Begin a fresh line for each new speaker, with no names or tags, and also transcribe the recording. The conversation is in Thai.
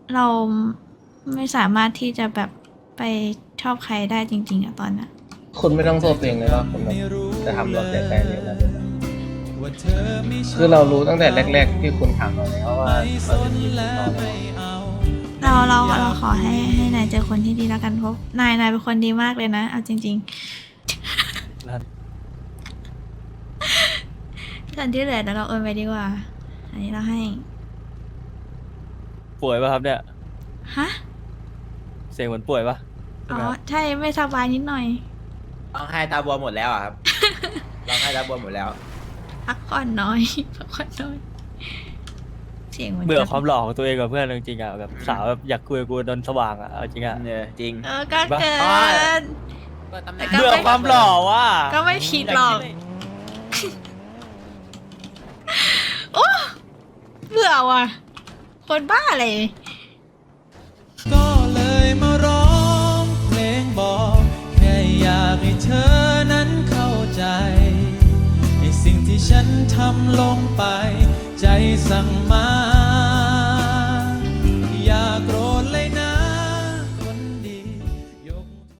เราไม่สามารถที่จะแบบไปชอบใครได้จริงๆอะตอนนั้น
คุณไม่ต้องโทษตัวเองเลยว่าคุณแบบจะทำเราเสียใจเลยนะคือเรารู้ตั้งแต่แรกๆที่คุณถามเราแล้วว่าเราจะจีบคุณต่อแล้ว
เราขอให้นายเจอคนที่ดีแล้วกันเพราะนายเป็นคนดีมากเลยนะเอาจริงๆส่วนที่เหลือเดี๋ยวเราโอนไปดีกว่า อันนี้เราให้
ป่วยป่ะครับเนี่ย
ฮะ
เสียงเหมือนป่วยป่ะใช่
อ๋อ
ไหมครับ
ใช่ไม่สบายนิดหน่อย
ร้องไห้ตาบวมหมดแล้วอะครับ ร้องไห้ตาบวมหมดแล้ว
พักผ่อนน้อย พักผ่อนน้อย เสียงหมืน
เบื่อ
กัน
ความหล่อของตัวเองกับเพื่อนจริงๆอ่ะแบบสาวแบบอยากคุยกับกูโดนสว่างอ่ะเอาจริงอ่ะ
เนี่ยจริง
ก็เกิน แต่ก็
เบื่อความหล่อว่ะ
ก็ไม่ผิดหรอก โอ้เบื่อว่ะ คนบ้าเลย
ก็เลยมาร้องเพลงบอกแค่อยากให้เธอนั้นเข้าใจในสิ่งที่ฉันทำลงไป ใจสั่งมา